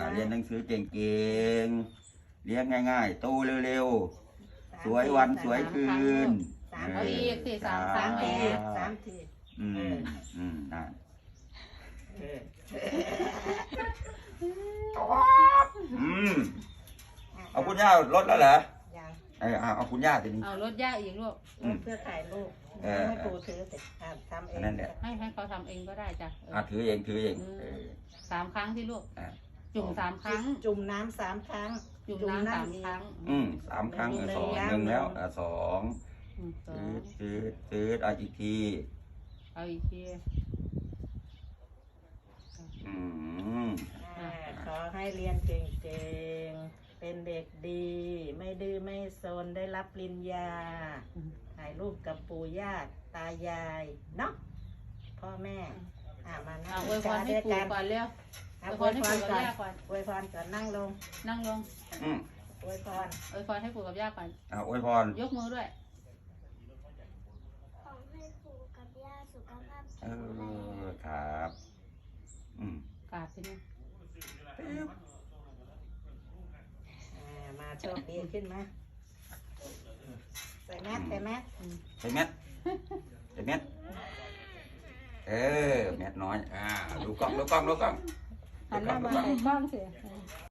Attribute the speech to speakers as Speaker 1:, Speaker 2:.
Speaker 1: เรียนหนังสือเก่งๆเลี้ยงง่ายๆโตเร็วๆสวยวันสวยคืน
Speaker 2: เอาอีกสิ3 ครั้งเอง
Speaker 3: 3 ที
Speaker 1: นั่นเอาคุณย่าลดแล้วเหรอเอาคุณย่าทีนี้
Speaker 2: เอารถย่าอีกลูก
Speaker 3: เพื่อถ่ายรูปให้ปูถือเสร็จทำเอง
Speaker 1: นั่นแหละ
Speaker 2: ให้เขาทำเองก็ได้จ้ะ
Speaker 1: ถือเอง
Speaker 2: 3 ครั้งที่ลูกจุ่ม3 ครั้ง
Speaker 3: จุ่มน้ำ3 ครั้ง
Speaker 2: จุ่มน้ำ3 ครั้ง
Speaker 1: 3 ครั้ง1แล้ว2ซื้อเอาอีกที
Speaker 2: เอาอีกที
Speaker 3: ขอให้เรียนเก่งๆเป็นเด็กดีไม่ดื้อไม่ซนได้รับปริญญาถ่ายรูปกับปู่ย่าตายายเนาะพ่อแม่มานั่ง
Speaker 2: อวยพรให้ปู่ก่อนเร็วอวยพรให้ปู่กับย่าก่อน
Speaker 3: อวยพรก่อนนั่งลง
Speaker 2: นั่งลง
Speaker 3: อวยพร
Speaker 2: อวยพรให้ปู่กับย่าก่อน
Speaker 1: อวยพร
Speaker 2: ยกมือด้วย
Speaker 4: ขอให้ปู่กับย่าสุขภาพแข็งแรง
Speaker 1: ครับ
Speaker 2: กราบที่นี่
Speaker 3: มาโชคดีขึ้นมาใส่แมสใส่แมส
Speaker 1: ใส่แมสแมสน้อยดูกล้อง
Speaker 2: หันหน้ามาใส่กล้องสิ